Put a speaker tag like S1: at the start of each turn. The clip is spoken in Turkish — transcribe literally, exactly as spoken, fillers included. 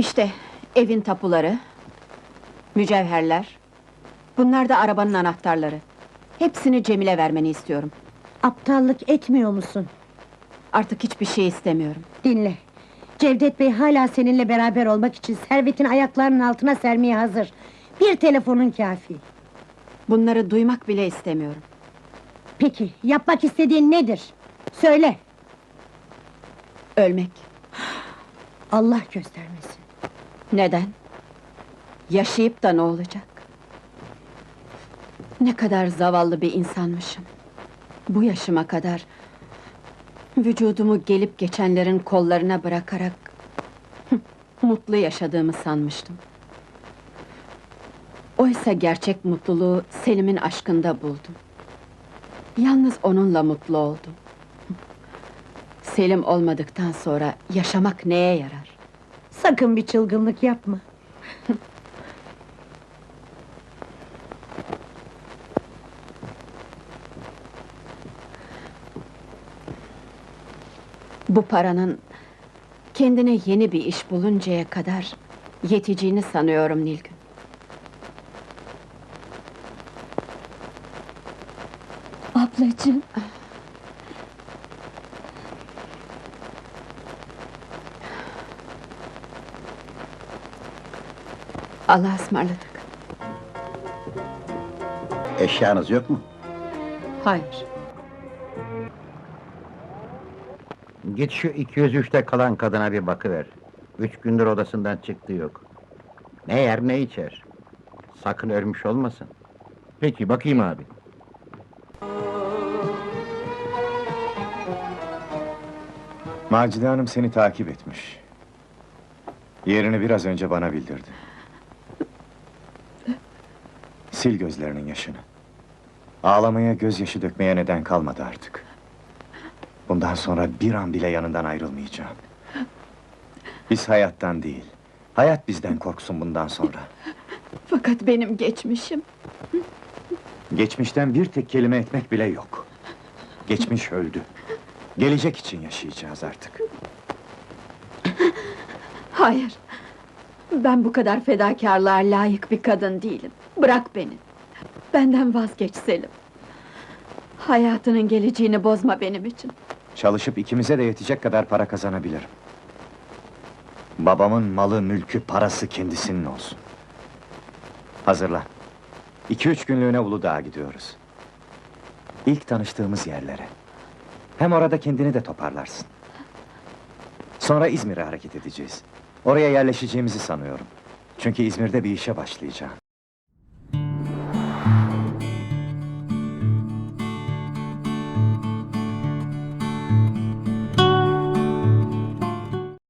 S1: İşte evin tapuları, mücevherler, bunlar da arabanın anahtarları. Hepsini Cemil'e vermeni istiyorum.
S2: Aptallık etmiyor musun?
S1: Artık hiçbir şey istemiyorum.
S2: Dinle. Cevdet Bey hala seninle beraber olmak için servetini ayaklarının altına sermeye hazır. Bir telefonun kafi.
S1: Bunları duymak bile istemiyorum.
S2: Peki, yapmak istediğin nedir? Söyle!
S1: Ölmek.
S2: Allah göstermesin.
S1: Neden? Yaşayıp da ne olacak? Ne kadar zavallı bir insanmışım. Bu yaşıma kadar vücudumu gelip geçenlerin kollarına bırakarak mutlu yaşadığımı sanmıştım. Oysa gerçek mutluluğu Selim'in aşkında buldum. Yalnız onunla mutlu oldum. Selim olmadıktan sonra yaşamak neye yarar?
S2: Sakın bir çılgınlık yapma.
S1: Bu paranın kendine yeni bir iş buluncaya kadar yeteceğini sanıyorum Nilgün.
S2: Ablacığım!
S1: Allah'a ısmarladık.
S3: Eşyanız yok mu?
S1: Hayır.
S3: Git şu iki yüz üçte kalan kadına bir bakıver. Üç gündür odasından çıktığı yok. Ne yer ne içer. Sakın ölmüş olmasın.
S4: Peki, bakayım abi.
S5: Macide Hanım seni takip etmiş. Yerini biraz önce bana bildirdi. Sil gözlerinin yaşını. Ağlamaya, gözyaşı dökmeye neden kalmadı artık. Bundan sonra bir an bile yanından ayrılmayacağım. Biz hayattan değil, hayat bizden korksun bundan sonra.
S1: Fakat benim geçmişim...
S5: Geçmişten bir tek kelime etmek bile yok. Geçmiş öldü. Gelecek için yaşayacağız artık.
S1: Hayır! Ben bu kadar fedakarlığa layık bir kadın değilim. Bırak beni! Benden vazgeç Selim! Hayatının geleceğini bozma benim için!
S5: Çalışıp ikimize de yetecek kadar para kazanabilirim. Babamın malı, mülkü, parası kendisinin olsun. Hazırlan. İki üç günlüğüne Uludağ'a gidiyoruz. İlk tanıştığımız yerlere. Hem orada kendini de toparlarsın. Sonra İzmir'e hareket edeceğiz. Oraya yerleşeceğimizi sanıyorum. Çünkü İzmir'de bir işe başlayacağım.